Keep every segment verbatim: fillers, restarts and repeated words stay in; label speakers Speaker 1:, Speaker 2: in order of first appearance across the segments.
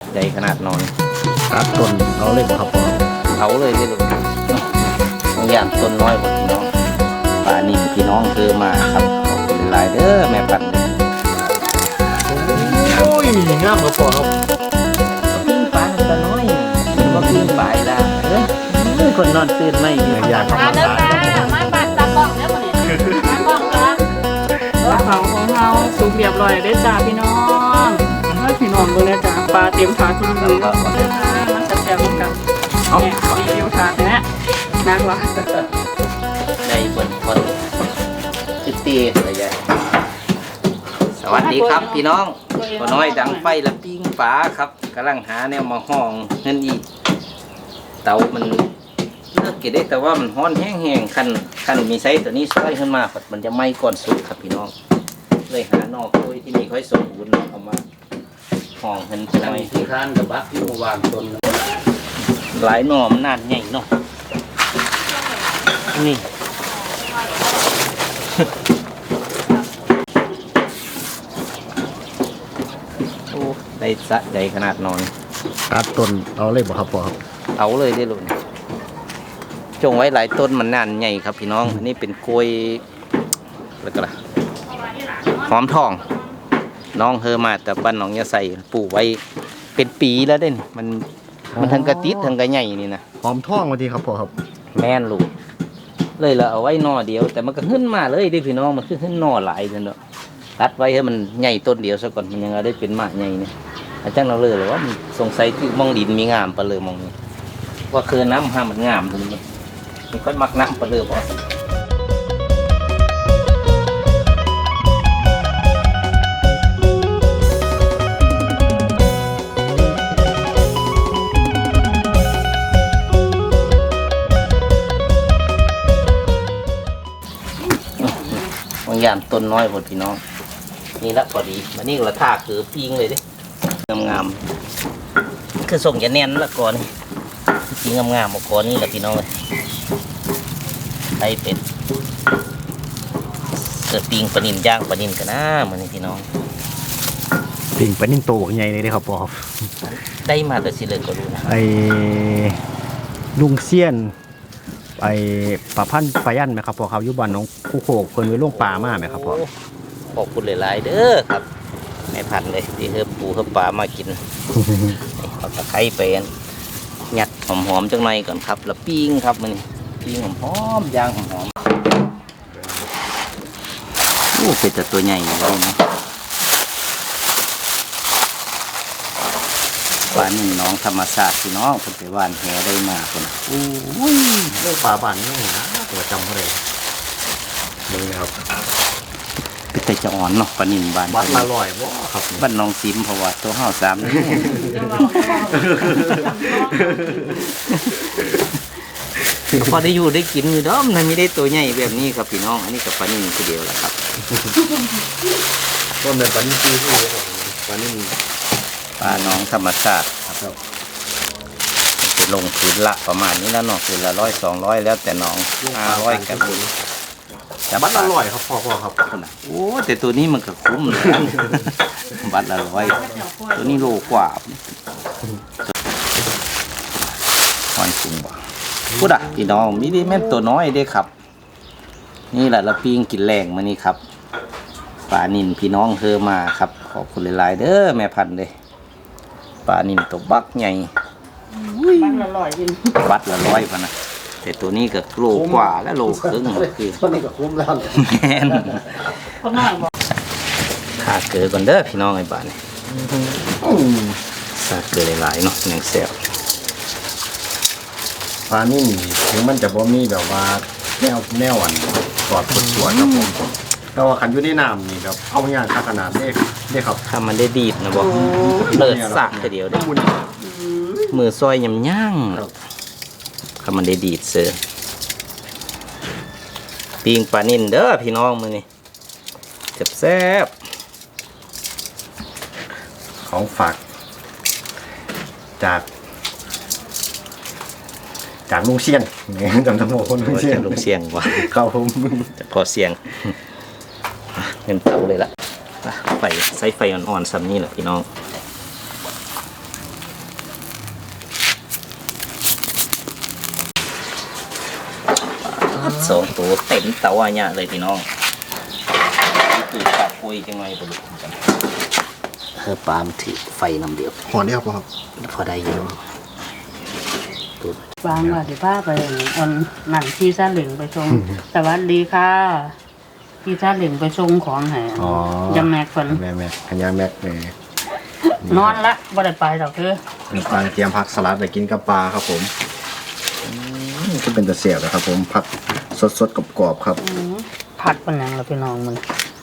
Speaker 1: ใหญ่ขนาดนอน
Speaker 2: ตัดต้นเอาเลยบ่ครับพ่อ
Speaker 1: เอาเลยได้ลูกบางอย่างต้นน้อยกว่าพี่น้องป่านิ่มพี่น้องคือมาครับขอบคุณหลายเด้อแม่พันธุ์
Speaker 2: โอ้ยงามครับพ่อครับ
Speaker 1: ปิ้งปลาตัวน้อยว่าปิ้งปลาละเออคนนอนตื่นไม่
Speaker 2: อยาก
Speaker 3: มาเด้อจ้ามาปัดตากล้องเด้อคนนี้ตากล้องจ้าปลาเผาของเราสุกเรียบร้อยได้จ้าพี่น้องให้พี่น้องดูเลยจ้าปลาเต็มถาดทุกมื้อมันแซ่บๆกันเอารีวิวถาดนะนักว่ะ
Speaker 1: ในบนคนติดตีอะไรใหญ่สวัสดีครับพี่น้องตัวน้อยดังไฟและปิ้งปลาครับกำลังหาแนวมาห้องเงินอีกเตามันเลิกกินได้แต่ว่ามันฮ้อนแห้งๆคันคันมีไซส์ตัวนี้ซอยขึ้นมามันจะไหม้ก่อนสุกครับพี่น้องเลยหานอกโดยที่นี่ค่อยสมบูรณ์เอามาห้องเงินหน่อยที่ข้านกับบักที่วางต้นหลายหน่อมันนานใหญ่เนาะนี่โอ้ได้สะใจขนาดนอน
Speaker 2: ตัดต้นเอาเลยบ่ครับพ่อครับ
Speaker 1: เอาเลยได้ลูกจงไว้หลายต้นมันนานใหญ่ครับพี่น้องอันนี้เป็นกล้วยแล้วก็ล่ะหอมทองน้องเฮอมาแต่บ้านน้องยาใส่ปลูกไว้เป็นปีแล้วเด้นมันมันทั้งกระติดทั้งกระใหญ่นี่นะ
Speaker 2: หอมทองมาดีครับพ่อครับ
Speaker 1: แม่นลูกเลยเราเอาไว้นอเดียวแต่มันก็ขึ้นมาเลยดิพี่น้องมันขึ้นนอหลายเลยเนาะตัดไว้ให้มันใหญ่ต้นเดียวซะก่อนมันยังได้เป็นมากใหญ่เนี่ยอาจารย์เราเลยหรือว่ามันสงสัยที่มองดินมีงามปะเลยมองนี่ว่าคือน้ำห้ามันงามตรงนี้มันค่อยมักน้ำปะเลยบ่บางอย่างต้นน้อยหมดพี่น้องนี่ละพอดีมันนี่ละท่าคือปิ้งเลยดิงามๆคือส่งจะแน่นละก่อนปิ้งงามๆมาก่อนนี่ละพี่น้องเลยให้เป็นเกิดปิ้งปลานิลย่างปลานิลกันนะมันนี่พี่น้อง
Speaker 2: ปิ้งปลานิลโตใหญ่เลยครับพ่อ
Speaker 1: ได้มาแต่สิเลยก็รู้นะ
Speaker 2: ไอ้ลุงเซียนไอ้ปลาพันธุ์ปลายันไหมครับพ่อครับยุบันน้องคู่โขกคนไว้ล่วงปลามากไหมครับพ่อ
Speaker 1: ขอบคุณหลายๆเด้อครับแม่พันเลยที่เฮือปูเฮือปลามากินเอาตะไคร้ไปยัดหอมๆจังหน่อยก่อนครับแล้วปิ้งครับมันปิ้งหอมๆย่างหอมๆโอ้เป็นแต่ตัวใหญ่เลยนะปลานี่น้องธรรมศาสตร์พี่น้องคนไปว่านแหได้มาคน
Speaker 2: โอ้ยเรื่องปลาบ้านนี่นะตัวจำเขาเลยเลยครับ
Speaker 1: เป็นแต่จะอ่อนเนาะปลานิลบาน
Speaker 2: บ้านละลอยบ่ครับ
Speaker 1: บ้านน้องซิมเพราะว่าตัวห้าวสามนี่พอได้อยู่ได้กินอยู่ด้อมมันไม่ได้ตัวใหญ่แบบนี้ครับพี่น้องอันนี้กับปลานิลคือเดียวแหละครับ
Speaker 2: ต้นแบบปลานิลคือปลานิล
Speaker 1: ปลาน้องธรรมชาติครับจะลงคืนละประมาณนี้แล้วเนาะคืนละร้อยสองร้อยแล้วแต่น้องห้าร้อยกัน
Speaker 2: แต่บัตรละร้อยครับพ่อพ่อครับ
Speaker 1: โอ้แต่ตัวนี้มันก็คุ้มเลยบัตรละร้อยตัวนี้โลกว่าหอยกุ้งบ่พูดอ่ะพี่น้องมีได้แม่ตัวน้อยได้ครับนี่แหละเราปิ้งกินแรงมานี่ครับปลานิลพี่น้องเฮอมาครับขอบคุณหลายๆเด้อแม่พันธุ์เลยปลานิลตัวบักใหญ่
Speaker 3: บัตรละร้อยยิน
Speaker 1: บัตรละร้อยพนะแต่ตัวนี้ก็โลกว่าและโลครึ่งคือ
Speaker 2: ตัวนี้ก็คุ้มแล้ว
Speaker 1: แม่นขาเกลือก่อนเด้อพี่น้องไอ้บ้านนี่ขาเกลือหลายๆเนาะหนังแซว
Speaker 2: ปลานี่ถึงมันจะบ่มีแบบว่าแนวแนวอันกอดสวยครับผมแต่ว่าขันอยู่ในน้ำนี่ครับเอาอย่างขนาดเล็กเล็กครับ
Speaker 1: ถ้ามันได้ดีดนะบอกเลิศสักเดียวได้มือซอยยำย่างถ้ามันได้ดีดเสือปิ้งปลานิ่นเด้อพี่น้องมือนี่แซ่บ
Speaker 2: ๆของฝากจากจากลุงเชียงจำทั้งหมดคนลุงเชียง
Speaker 1: ลุงเชียงว่ะ
Speaker 2: เข้าผม
Speaker 1: จะพอเสียงเงินเตาเลยล่ะไฟใส่ไฟอ่อนๆซ้ำนี่แหละพี่น้องสองตัวเต็มเตาอันเนี้ยเลยพี่น้องตื่นปากคุยจังไงปลุกกันเพื่อปามถือไฟน้ำเดียว
Speaker 2: หอนได้ครับพ่อครับ
Speaker 1: พอได้อยู่ตัว
Speaker 3: วางว่าสิพาไปอันนั่นที่ซาเหลิงไปชงสวัสดีค่ะที่ซาเหลิงไปชงของให้ยังแม็กคน
Speaker 2: แม่แม่ขันยาแม็กแม่
Speaker 3: นอนละบ่ได้ไปดอกคือ
Speaker 2: ปางเตรียมผักสลัดไปกินกับปลาครับผมก็เป็นตะเสียบนะครับผมผักสดๆกรอบๆครับ
Speaker 3: ผัดเป็นหยังล่ะพี่น้องมึง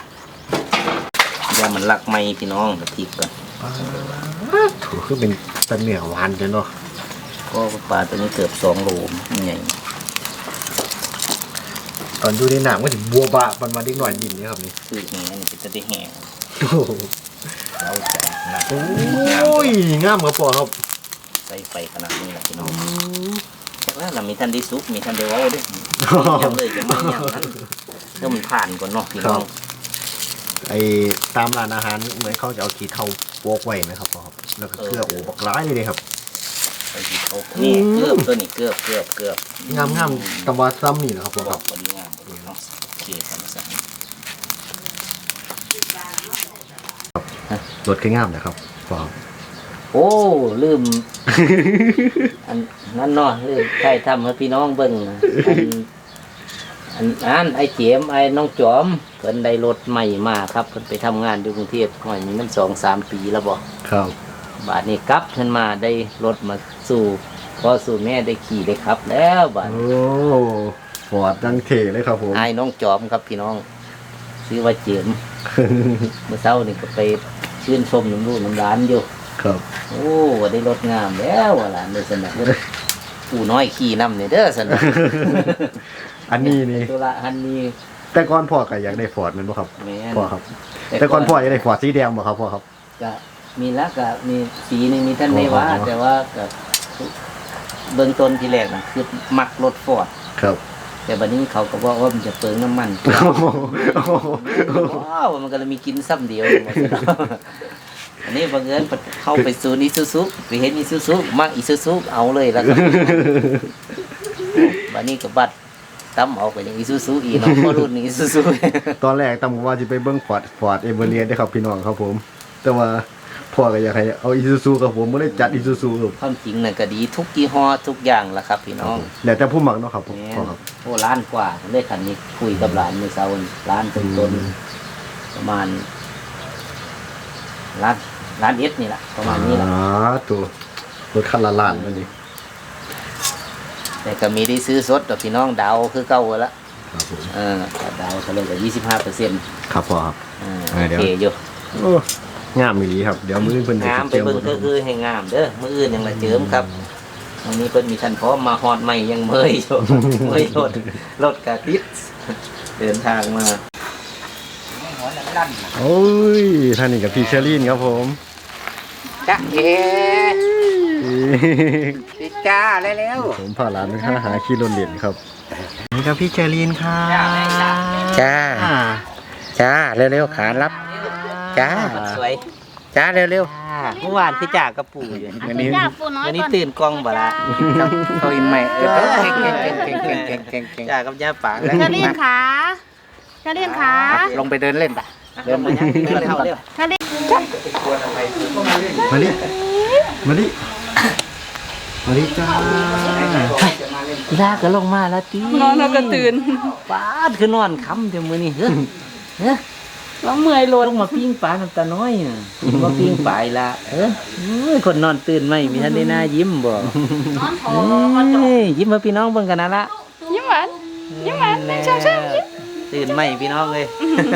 Speaker 1: ยามันลักไม่พี่น้องตะพริกก่อน
Speaker 2: ถูกคือเป็นตะเหนียวหวานจังเนาะ
Speaker 1: ก็ปลาตัวนี้เกือบสองโลมันใหญ่
Speaker 2: ตอนอยู่ในหนังก็ถึงบัวบะมันมาดิ้งหน่อยดินนี่ครับนี่
Speaker 1: คือแห้งนี่จะได้แห้ง
Speaker 2: โอ้โห
Speaker 1: เราจะหนัก
Speaker 2: โอ้ยงามครับพ่อครับ
Speaker 1: ใส่ไฟขนาดนี้แหละพี่น้องแต่ว่าเรามีท่านได้ซุปมีท่านได้เว้าด้วยยังเลยจะไม่ยังนั้นถ้ามันผ่านก่อนเนาะพี่น้อง
Speaker 2: ไอ้ตามร้านอาหารเหมือนเขาจะเอาขี้เทาโปกไว้ไหมครับพ่อครับแล้วก็เกลือโอ้บักร้ายเลยเลยครับ
Speaker 1: ไอ้ที่เขานี่เกือบตัวนี้เกือบเกือบเกือบ
Speaker 2: งามงามตะวันซ้ำนี่นะครับพ่อ
Speaker 1: บ
Speaker 2: ค
Speaker 1: อ
Speaker 2: รั
Speaker 1: ก
Speaker 2: บ
Speaker 1: พอดีงามพอดีเนาะโอเคกันสัก
Speaker 2: รสคืองามนะครับพ่อครับ
Speaker 1: โอ้ลืมอันนั้นเนาะลืมใช่ทำให้พี่น้องเบิ่งอันอันอันไอ้เจมไอ้น้องจอมเพิ่นได้รถใหม่มาครับเพิ่นไปทำงานอยู่กรุงเทพหน่อยนี้มันสองสามปีแล้วบ่
Speaker 2: ครับ
Speaker 1: บาทนี้กลับขึ้นมาได้รถมาสู่พอสู่แม่ได้ขี่ได้ขับ แล้วบาท
Speaker 2: โอ้ฟอร์ดดังเทเลยครับผม
Speaker 1: ไอ้น้องจอมครับพี่น้องชื่อว่าเจมเมื่อเช้านี่ก็ไปชื่นชมน้ำลูกน้ำร้านอยู่
Speaker 2: ครับ
Speaker 1: โอ้ได้รถงามแล้วว่าหลานได้สนับปู่น้อยขี่นำเนี่ยเด้อสนับ
Speaker 2: อันนี้นี่
Speaker 1: ตัวละอันนี้
Speaker 2: แต่ก่อนพ่อก็อยากได้ฟอร์ดแมันบ่ครับ
Speaker 1: แม่น
Speaker 2: พ่อครับ แต่ก่อนพ่ออยากได้ฟอร์ดสีแดงบ่ครับพ่อครับ
Speaker 1: ก็มีแล้วก็มีสีหนึงมีท่านไม่ว่า
Speaker 2: อ๋อ
Speaker 1: แต่ว่าก็เบื้องต้นที่แรกน่ะคือมักรถฟอร์ด
Speaker 2: ครับ
Speaker 1: แต่บัดนี้เขาก็บอกว่ามันจะเปลืองน้ำมัน
Speaker 2: โอ้โห
Speaker 1: ว้าวมันก็เลยมีกินซ้ำเดียวหมดแล้วอันนี้บังเอิญเข้าไปซูนย์อิซูซุไปเห็นอิซูซุมักอิซูซุเอาเลยแล้วก็บัดนี้ก็บัดตั้มเอาไปอย่างอิซูซุอีกเนาะเพราะรุ่นนี้อิซูซุ
Speaker 2: ตอนแรกตั้งว่าจะไปเบิ้งฟอร์ดฟอร์ดเอเวอเรียนได้ครับพี่น้องครับผม แต่ว่าพ่อก็อยากให้เอาอีซูซูครับผมไม่ได้จัดอีซูซูครับ
Speaker 1: ความจริงน่ะก็ดีทุกยี่ห้อทุกอย่างล่ะครับพี่น้อง
Speaker 2: แล้วแต่ผู้หมักเนาะครับผม
Speaker 1: แม่
Speaker 2: พ่อน ครับ
Speaker 1: โอ้ล้านกว่าได้คันนี้คุยกับหลานเมื่อเช้านี่ล้านต้นต้นๆประมาณล้านล้านเอสนี่แหละประมาณนี้แหละ
Speaker 2: อ๋อตัวรถคันละล้านนั่นนี่
Speaker 1: แต่ก็มีได้ซื้อสดต่อพี่น้องดาวคือเก่าละ
Speaker 2: ครับผม
Speaker 1: เออดาวเขาเลยกับยี่สิบห้าเปอร์เซ็นต์
Speaker 2: ครับพ่อครับ
Speaker 1: โอ
Speaker 2: เดี๋ยว
Speaker 1: เคอยู่
Speaker 2: โอ้งามมีดีครับ เดี๋ยวมื้อเพิ่นจะ
Speaker 1: งามไป
Speaker 2: เจิม
Speaker 1: เบิ่งก็คือให้งามเด้อมื้ออื่นยังละเจิมครับวันนี้เพิ่นมีท่านพร้อมมาฮอดใหม่ยังเมยอยู่ เมยรถรถกะติดเดินทางมา
Speaker 2: โอ้ยท่านนี่กับพี่เชอรีนครับผม
Speaker 1: จ้าเอ๋พี่จ้าเร็ว
Speaker 2: ผมพาหลานไปหาหาขี้รถเหรียญครับนี่ครับพี่เชอรีนครับ
Speaker 1: จ้าจ้าเร็วๆขารับจ้าสวยจ้าเร็วๆเมื่อวานคือจ่ากระปูอยู่
Speaker 2: วันนี้
Speaker 3: จ้าปูน้อย
Speaker 1: วันนี้
Speaker 3: ก่อน
Speaker 1: ตื่นกล้องบ่ละเขาอินใหม่เออเก่งเก่งเก่งเก่งเก่งเก่งเก่งเก่งจ้ากับย่าปางแล้ว
Speaker 3: ชาลีนขาชาลีนขา
Speaker 1: ลงไปเดินเล่นปะเดินไปยังเดินเล่นก่อน
Speaker 3: ชาลีน
Speaker 2: มาดิมาดิมาดิจ้า
Speaker 1: ลากก็ลงมาแล้วตี
Speaker 3: นอนแล้วก็ตื่น
Speaker 1: ป้าดคือนอนค้ำเดี๋ยวมือนี่เฮ้ยเฮ้ย
Speaker 3: แล้วเมื่อยโล
Speaker 1: ลงมาปิ้งปลาน้ำตาน้อยอ่ะมาปิ้งปลาอีละเออเอ้ยคนนอนตื่นไหมมีท่านได้หน้ายิ้มบ่
Speaker 3: นอนโถ
Speaker 1: เอ้ยยิ้มมาพี่น้องเบิ่งกันนะละ
Speaker 3: ยิ้มหวานยิ้มหวานหนึ่งสองสามยิ้ม
Speaker 1: ตื่นไหมพี่น้องเลย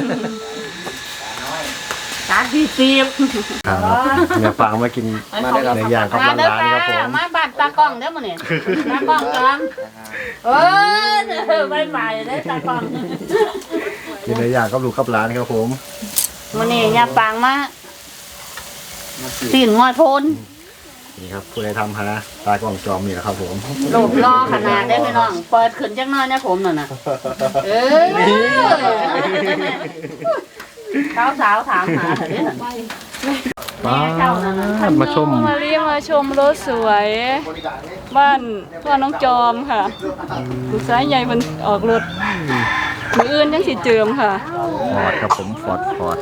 Speaker 3: ตาดีซีบ
Speaker 2: ครับเนี่ยฟังมากินในอย่างครับร้านๆครับผม
Speaker 3: มาบ้านตากล้องเด้อมื้อนี้ตากล้องกันเออไม่ใหม่ได้ตากล้อง
Speaker 2: กินในอย่างครับลูกครับร้านครับผม
Speaker 3: มื้อนี้ยาปางมาตีนงอยโพน
Speaker 2: นี่ครับผู้ใดทำฮะตากล้องจอมนี่แหละครับผม
Speaker 3: รูปรอขนาดได้พี่น้อง เปิดขึ้นจังน้อยนะผมนั่นน่ะเออสาวสาวๆถามหาเถอะเนี่ย
Speaker 2: ป้ามาชม
Speaker 3: มาเรียมาชมรถสวย บ้านพ่อน้องจอมค่ะลูกชายใหญ่มันออกรถมืออื่นยังสิเจิมค่ะ
Speaker 2: ฟอร์ดครับผมฟอร์ดฟอร์ด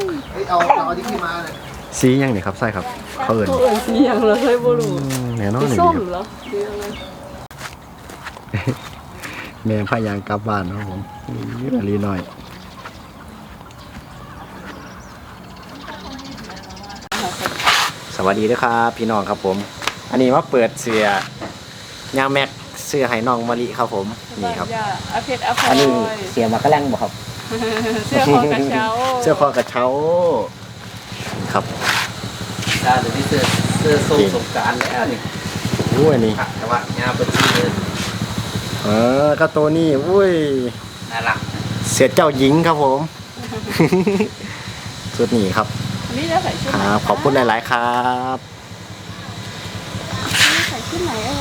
Speaker 2: สียังนี่ครับใช่ครับเขาเอิญ
Speaker 3: ตัวอื่นสีอย่างเราเคยบ่รู้
Speaker 2: แน่นอน
Speaker 3: สี
Speaker 2: นี่
Speaker 3: ส้ม
Speaker 2: ครับ
Speaker 3: เหรอสีอะไร
Speaker 2: แม่พายางกลับบ้านครับผมนี่ลีหน่อยสวัสดีนะครับพี่น้องครับผม อันนี้มาเปิดเสื้อยางแม็กเสื้อไห้น้องมะลิครับผมนี่ครับ
Speaker 3: ย่าอาเพชรอาพล
Speaker 1: อันนี้
Speaker 3: อย
Speaker 1: เสียมากระแลงบ่ครับ
Speaker 3: เสื้อคอกระเช้า
Speaker 2: เสื้อคอกระเช้าครับ
Speaker 1: ดาเดี๋ยวนี้เสื้อเสื้อทรงสงกรารแล้วนี่
Speaker 2: อุ้ยนี่
Speaker 1: ผักแต่ว่าหญ้าเป็นสีเลย
Speaker 2: เออก็ตัวนี้อุ้ย
Speaker 1: น่ารัก
Speaker 2: เสียเจ้าหญิงครับผม ชุดนี้ครับ
Speaker 3: อันนี้จะใส่ชุด
Speaker 2: ค
Speaker 3: ไหน
Speaker 2: รับขอบคุณหลายๆครับ
Speaker 3: ใส่ชุดไหนเอ่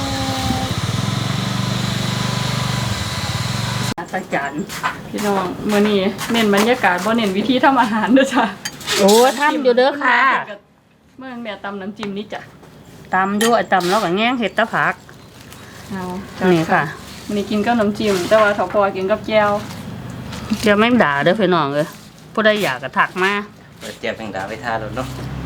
Speaker 3: ยอาจารย์พี่น้องมื้อนี้เน้นบรรยากาศบ่เน้นวิธีทำอาหารเด้อจ้ะ
Speaker 4: โอ้ทำอยู่เด้อค่ะ
Speaker 3: เมื่อแม่ตำน้ำจิ้มนี่จ้ะ
Speaker 4: ตำอยู่ไอ้ตำแล้วก็แง่งเห็ดตะผัก
Speaker 3: เอา
Speaker 4: นี่ค่ะ
Speaker 3: วันนี้กินกับน้ำจิ้มแต่ว่าถ้าพอกินกับแจ่ว
Speaker 4: จะไม่ด่าเด้อพี่น้องเลยผู้ใดอยากก็ถักมา
Speaker 1: เปิดแจ่วแมงดาไว้ทาแล้วเนาะ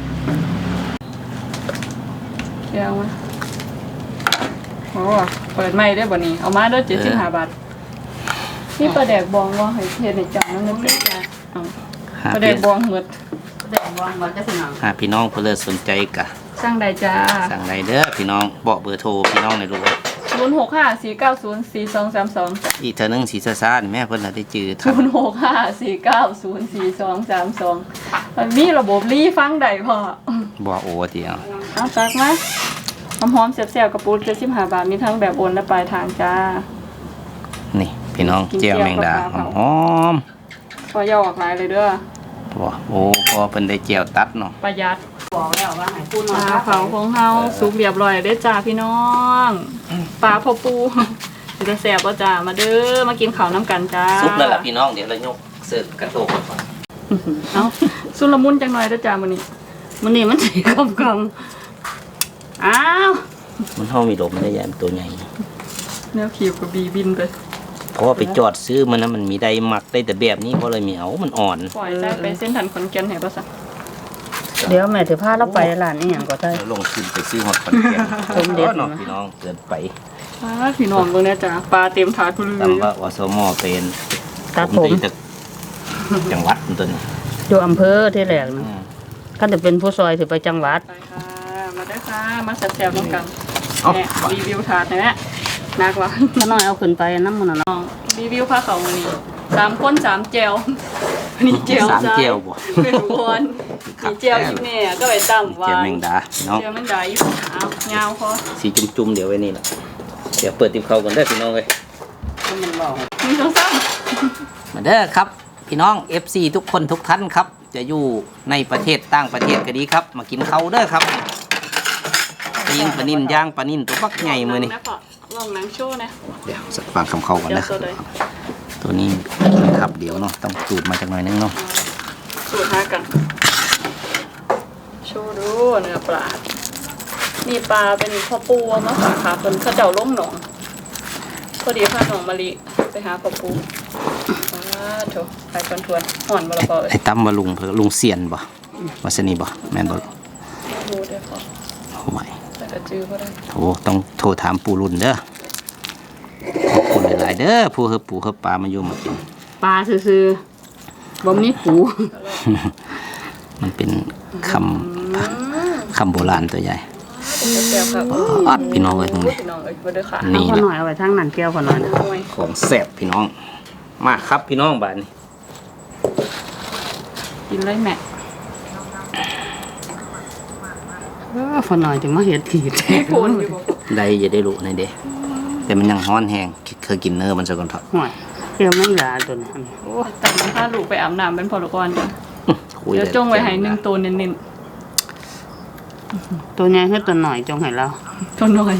Speaker 3: แจ่วมาโอ้เปิดใหม่ได้อบ่นี้เอามาเด้อเจ็ดสิบห้าบาทนี่ปลาแดกบองว่าให้เฮ็ดให้จังนั่นนึกจ้ะเอา
Speaker 1: หา
Speaker 3: ปลาแด
Speaker 1: พี่
Speaker 3: กบองหมด
Speaker 4: แดงวางไว้จะพี่น้อง
Speaker 1: หาพี่น้องเพื่อสนใจกะ
Speaker 3: สร้างได้จ้า
Speaker 1: สั่งได้เด้อพี่น้องบอกเบอร์โทรพี่น้องในอยลูกเอ้ย
Speaker 3: ศูนย์หกห้าสี่เก้าศูนย์สี่สองสามสอง
Speaker 1: อีกเท่านึงสีซ่านแม่เพิ่นน่ะได้จือทั
Speaker 3: ศู
Speaker 1: น
Speaker 3: นย์หกห้าสี่เก้าศูนย์สี่สองสามสองมันมีระบบรีฟังได้พอ
Speaker 1: บ่โอเดียว
Speaker 3: เอาตักมาหอมๆแซ่บๆกระปุกเจ็ดสิบห้าบาทมีทั้งแบบโอนและปลายทางจ้า
Speaker 1: นี่พี่น้อง
Speaker 3: กิน
Speaker 1: แจ่ว
Speaker 3: แจ่ว
Speaker 1: แมงดา
Speaker 3: กับปลา
Speaker 1: ห
Speaker 3: เผา
Speaker 1: อม
Speaker 3: พอย่าออกหลายเลยเด้อ
Speaker 1: ๆบ่โอ้พอเพิ่นได้แจ่วตัดเนาะ
Speaker 3: ประหยัด
Speaker 4: บอกแล้วว่าให้ผู้
Speaker 3: ป
Speaker 4: น้อ
Speaker 3: ลาย เผาของเฮาสุกเรียบร้อยเด้อจ้าพี่น้องปลาพอปูจะแซ่บบ่จ้ามาเด้อมากินข้าวน้ำกันจ้า
Speaker 1: ซุปแล้วล่ะพี่น้องเดี๋ยวเรายกเสิร์ฟกระโตกก่อน
Speaker 3: เอาสุลมุนจังหน่อยเด้อจ้ามื้อนี้
Speaker 4: มันนี่มันสีกำกำอ้าว
Speaker 1: มันเฮามีลมได้ยามตัวใหญ่
Speaker 3: แนวขีบกับบีบินไป
Speaker 1: เพราะว่าไปจอดซื้อมันนะมันมีได้หมักได้แต่แบบนี้เพราะเลยมีเอามันอ่อน
Speaker 3: ปล่อยได้ไปเส้นทันขอนแก่นให้บ่ซะ
Speaker 4: เดี๋ยวแม่ถือผ้าเราไปร้านนี้อย่างก็ได้
Speaker 1: แล้วลงทุนไปซื้อฮอตคอนแกน
Speaker 4: สมเด็จ
Speaker 1: เนาะพี่น้องเกินไป
Speaker 3: อ่าพี่น้องเบิ่งแน่จ้าปลาเต็มถาดพุ่นเล
Speaker 1: ตาม
Speaker 3: ย
Speaker 1: ว่าอสมเป็น
Speaker 4: ตัดผม
Speaker 1: ตีจากจังหวัดมันตัวนี้
Speaker 4: อยู่อำเภอที่แรก
Speaker 1: อื
Speaker 4: นะ
Speaker 1: ม
Speaker 4: ก็จะเป็นผู้ซอยถือไปจังหวัด
Speaker 3: ไปค่ะมาได้อค่ะมาแซ่บๆน้ำกัน
Speaker 1: เอ้า
Speaker 3: แหม่รีวิวถาดหน่อยแม่นักวะ
Speaker 4: ถ้าน้อยเอาขึ้นไปน้ำมันน่ะเนาะ
Speaker 3: น้องรีวิวผ้าเขาวมื้อนี้สามคนสามแจวนี่แจว
Speaker 1: สาม
Speaker 3: จ้า
Speaker 1: เจียวบ่
Speaker 3: เป็นวนนี่แจวอีแม่ก็ไปตั้มวา
Speaker 1: เจียวแมงดาพี่น้อง
Speaker 3: แจวแมงดาอีเอายาวพอ
Speaker 1: สีจุ่มๆเดี๋ยวไว้นี่แหละเดี๋ยวเปิดติมเขาก่อนได้อพี่น้องเลย
Speaker 4: มันบอก
Speaker 3: มีสองสาม
Speaker 1: มาเด้อครับ พี่น้อง เอฟ ซี ทุกคนทุกท่านครับ จะอยู่ในประเทศต่างประเทศก็ดีครับ มากินเขาวเด้อครับปิงปลานิ่นย่างปลานิ่นตัวปักใหญ่มือนี่
Speaker 3: ลองหนังโชว์นะ
Speaker 1: เดี๋ยวสักฟังคำเขาก่อน
Speaker 3: เดี๋ย
Speaker 1: นะ
Speaker 3: วตัวใด
Speaker 1: ตัวนี้ขับเดี๋ยวเนาะต้องจูดมาจากหน่อยนึงเนาะ
Speaker 3: สูตรหากัน โชว์ดูเนื้อปลา มีปลาเป็นพ่อปูเอามาฝากค่ะเป็นข้าเจ้าล้มหนอง พอดีพาหนองมะลิไปหาพ่อปูว้าโถไปคอนทวนห่อนมาละพอเลย
Speaker 1: ไอ้ตั้มว่าลุงเพิ่นลุงเสียนบ่วาสนีบ่แม่นบ่
Speaker 3: ดูได้พอ
Speaker 1: โอ้ย
Speaker 3: แต่กระจือก็ได้
Speaker 1: โอ้ต้องโทรถามปู่รุ่นเด้อขอบคุณหลายๆเด้อผู้เฮบปู่เฮบปลามาอยู่มากิน
Speaker 4: ปลาซื่อๆบ่มีปู
Speaker 1: มันเป็นคำคำโบราณตัวใหญ่
Speaker 3: แซ่บครับ
Speaker 1: อัดพี่น้องเลยตรงนี้
Speaker 3: พี่น้องเอ้ยมาเด้อค่ะ
Speaker 1: นี่
Speaker 4: เอา
Speaker 1: นะ
Speaker 4: หน่อยเอาไว้ทางนั้นแก้วขอหน่อยนะ
Speaker 3: หน่วย
Speaker 1: ของแซ่บพี่น้อง มาครับพี่น้องบ้านนี้
Speaker 3: กินเลยแม่
Speaker 4: เออขอหน่อยถึงมาเห็ดผีแท้
Speaker 3: มีโผล่อยู่บ่
Speaker 1: ได้จะได้รู้ในเด้แต่มันยังฮ้อนแห้งเคยกินเนื้อมันซะก่อนเถอะ
Speaker 4: ห่วยเกี่ยวไม่ลาตัวนี้
Speaker 3: โอ้ยแต่มันพาลูกไปอาบน้ำเป็นพอลกรจ้ะ
Speaker 1: คุย
Speaker 3: เดี๋ยวจงไว้ให้หนึ่งตัวเน้น
Speaker 4: ตัวใหญ่ขึ้นตัวหน่อยจงให้เรา
Speaker 3: ๆตัวหน่อย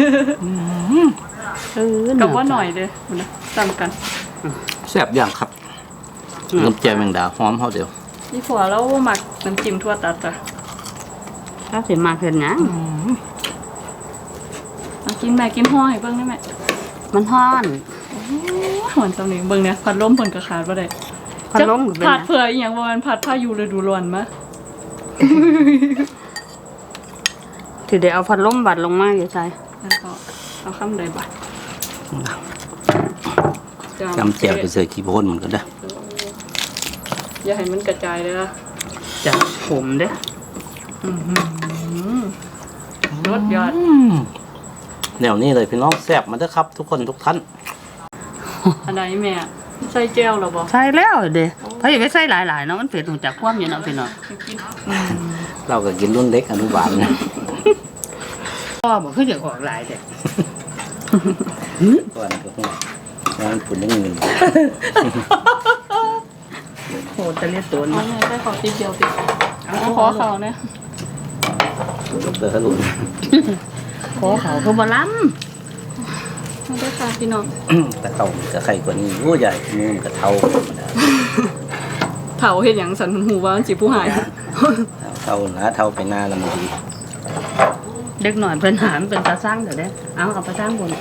Speaker 4: เออ
Speaker 3: กับว่าหน่อยเลยมันนะซ้ำกัน
Speaker 1: แซ่บอย่างครับน้ำแจ่วแมงดาหอมเฮาเดียว
Speaker 3: นี่ผัวแล้วหมักน้ำจิ้มทั่วตัดจ้ะ
Speaker 4: ถ้าสิมาเพิ่นหยัง
Speaker 3: เอากินแม่กินห่อให้เบิ่งได้ไหม
Speaker 4: มันฮ้อน
Speaker 3: หวนสำเนียงเบิ่งเนี่ยพัดลมเพิ่นก็ขาดบ่ได้
Speaker 4: พัดลมก็เป็น
Speaker 3: ผัด
Speaker 4: นะ
Speaker 3: เผื่ออีหยังบ่มันผัดพายุฤดูร้อนมา
Speaker 4: สิได้เอาพัดลมบัดลงมาอยู่ใส่
Speaker 3: แล้วก็เอาคำใดบัด
Speaker 1: จำแจ่วไปเสิร์ฟขี้โพนเหมือนกันเด้อ
Speaker 3: อย่าให้มันกระจายเลยนะ
Speaker 4: จะผมเด้อ
Speaker 3: รสยอด
Speaker 1: แนวนี้เลยพี่น้องแซ่บมาเด้อครับ ทุกคนทุกท่าน
Speaker 3: อันไหนแม่ใส่แจ่วเหรอบ่
Speaker 4: ใส่แล้วเด้เพราะอย่าไปใส่หลายๆเนาะมันเผ็ดหูจักความอยู่เนาะพี่น้อง
Speaker 1: เราก็กินรุ่นเล็กอนุบาลนะ
Speaker 4: ก็บ่คือจะออกหลายเด้
Speaker 1: ก่อนก็หัวงานฝุ่นยังหนึ่ง
Speaker 4: โหตะเลียตัว
Speaker 3: เอา
Speaker 4: นี้
Speaker 3: แม่ใส่ขอติดเดียวติดเอาขอเขาเนี่ย
Speaker 1: กับเตอร์ลุน
Speaker 4: ขอเขาคือบ่ล้ำ
Speaker 3: มาได้ค่ะพี่น้อง
Speaker 1: แต่เขาก็ไข่กว่านี้โอ้ใหญ่มือมันก็เท่าธรรมดา
Speaker 3: เถาเฮ็ดหยังสันหูว่ามันสิผู้หาย
Speaker 1: เท่านะเท่าไปหน้าแล้วมันดี
Speaker 4: เด็กหน่อยเป็นหามเป็นตาสร้างเด้อเด้เอาเอาไปสร้างบน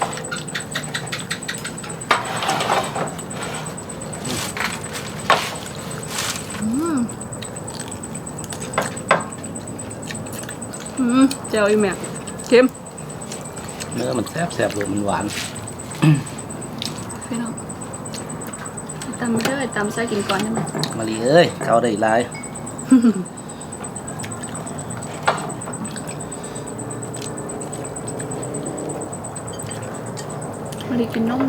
Speaker 3: อืมแจ่วอีแม่เค็ม
Speaker 1: เนื้อมันแซ่บแซ่บเลยมันหวาน
Speaker 3: พี่น้องตำเด้อตำใส่กินก่อนได้ไหม
Speaker 1: มาลีเอ้ยเขาได้หลาย
Speaker 3: มาดีกินนมได้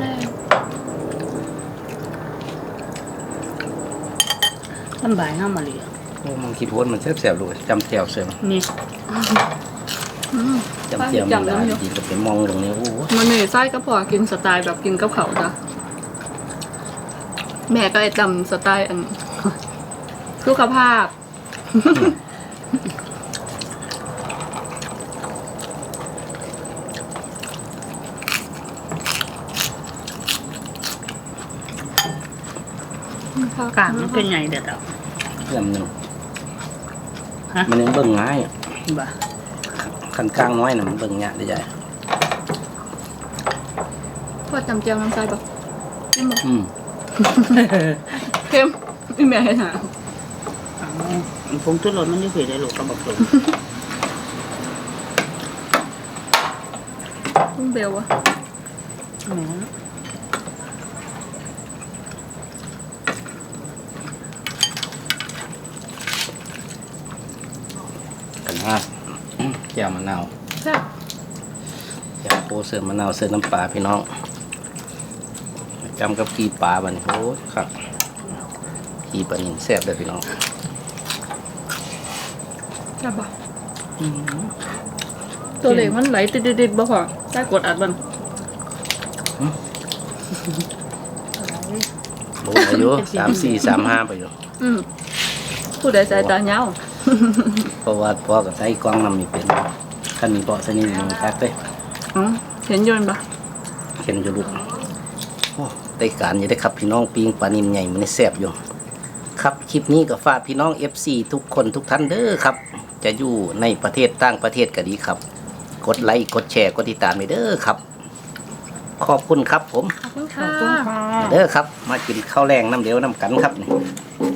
Speaker 4: ลำบายเฮามาเลย
Speaker 1: โอ้มันขี้โพนมันแซ่บแซ่บเลยจำแจ่วเสริม
Speaker 4: นี่
Speaker 3: อืม
Speaker 1: จำแจ่วมัน
Speaker 3: จำ
Speaker 1: ได้
Speaker 3: น้ำอยู่
Speaker 1: ดีก็ไปมองตรงนี้โอ้โห
Speaker 3: มันนี่ไส้ก็พอกินสไตล์แบบกินกับเขาวจ้ะแม่ก็ไอ้ตำสไตล์อันสุขภาพ
Speaker 4: กลางมันเป็นไงเด้อเด้อ
Speaker 1: ลำหนึ่ง
Speaker 4: ฮะ
Speaker 1: มันยังเบิ่งง่ายอะ
Speaker 4: บ่
Speaker 1: คันกลางน้อยน่ะมันเบิ่งยากได้ใหญ่
Speaker 3: พอจำเจียวน้ำใส่ปะกินบ่
Speaker 1: อืม
Speaker 3: เค็มอีแม่ให้หา
Speaker 4: เอาผงชูรสมันอยู่เผ็ดได้ลูกก็บอกตรง
Speaker 3: ลุงเบลวะ
Speaker 4: แหม
Speaker 1: กันฮะแจ่วมะนาว
Speaker 3: แซ่บ
Speaker 1: แจ่วโคเสิร์ฟมะนาวเสิร์ฟน้ำปลาพี่น้องจำกับกีปลาบัดนโอ้ยครับกีปลานิ่มแซ่บเลยพี่น้อง
Speaker 3: แซ่บปะตัวเล็กมันไหลติดๆๆบ่พอได้กดอัดมัน
Speaker 1: โอ้อายุสามสี่สามห้าไปอยู่
Speaker 3: อืมผู้ใดสายตาเงา
Speaker 1: เพราะว่าพ่อกับใช้กล้องนำมีเป็นขันมีเบาะสนิทมันแท็กเลย
Speaker 3: อ๋อเห็นยนต์ปะ
Speaker 1: เข็นอยู่ลูกโอ้ได้การอยู่ได้ครับพี่น้องปิงปลานิ่มใหญ่มันแซ่บอยู่ครับคลิปนี้ก็ฝากพี่น้อง เอฟ ซี ทุกคนทุกท่านเด้อครับ จะอยู่ในประเทศต่างประเทศก็ดีครับ กดไลค์กดแชร์กดติดตามไปเด้อครับ ขอบคุณครับผม
Speaker 3: ขอบคุณค่ะ
Speaker 1: เด้อครับ มากินข้าวแรงน้ำเดียวน้ำกันครับนี่